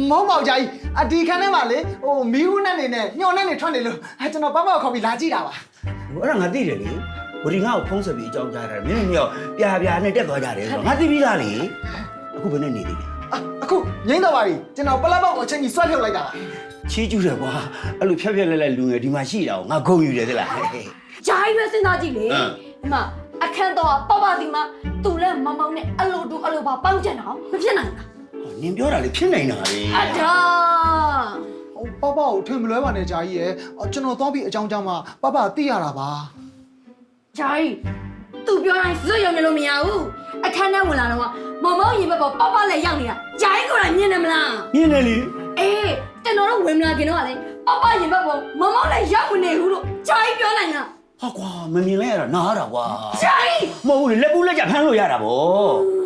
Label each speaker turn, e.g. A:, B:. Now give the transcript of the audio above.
A: မဟုတ်ပါဘူးဂျာကြီးအဒီခန်းထဲမှာလေဟိုမီးဦးနဲ့နေနဲ့ညှော်နဲ့နေထွက်နေလို့ကျွန်တော်ပပခေါ်ပြီးလာကြည့်တာပါ
B: အဲ့ဒါငါသိတယ်လေဝရီငါ့ကိုဖုံးဆက်ပြီးအကြောင်းကြားတာမင်းမြောက်ပြာပြာနဲ့တက်သွားကြတယ်ဆိုတော့ငါသိပြီးသားလေအခုဘယ်နဲ့နေသေးလဲ
A: အခုငိမ့်တော့ပါပြီကျွန်တော်ပလက်ပေါက်ကိုချင်းကြီးဆွဲထုတ်လိုက်တာပါ
B: ချီးကျူးတယ်ကွာအဲ့လိုဖြတ်ဖြတ်လဲလဲလူငယ်ဒီမှာရှိတာကိုငါဂုံယူတယ်သလား
C: ဂျာကြီးပဲစဉ်းစားကြည့်လေဒီမှာအခန်းတော့ပပဒီမှာသူလည်းမောင်မောင်နဲ့အလိုတူအလိုပါပေါင်းကြတော့မဖြစ်နိုင်ဘူး
B: နင်ပြောတာလေဖြစ်နိုင်တာလေ
C: အတား
A: ပပကိုထွင်မလွဲပါနဲ့ဂျာကြီးရဲ့ကျွန်တော်သွားပြီးအကြောင်းကြောင့်မှပပသိရတာပါ
C: ဂျာကြီးသူပြောတိုင်းစွတ်ရုံနဲ့လို့မရဘူးအခန်းထဲဝင်လာတော့မောင်မောင်ရင်ဘက်ပေါ်ပပလည်းရောက်နေတာဂျာကြီးကိုယ်တိုင်မြင်နေမလား
B: မြင်တယ်လေ
C: အေးကျွန်တော်တို့ဝင်မလာခင်တော့ကလေပပရင်ဘက်ပေါ်မောင်မောင်လည်းရောက်မနေဘူးလို့ဂျာကြီးပြောနိုင်လား
B: ဟာကွာမမြင်လဲရတာနားရတာကွာ
C: ဂျာကြီး
B: မဟုတ်ဘူးလေလက်ပူးလက်ကြဖမ်းလို့ရတာဗော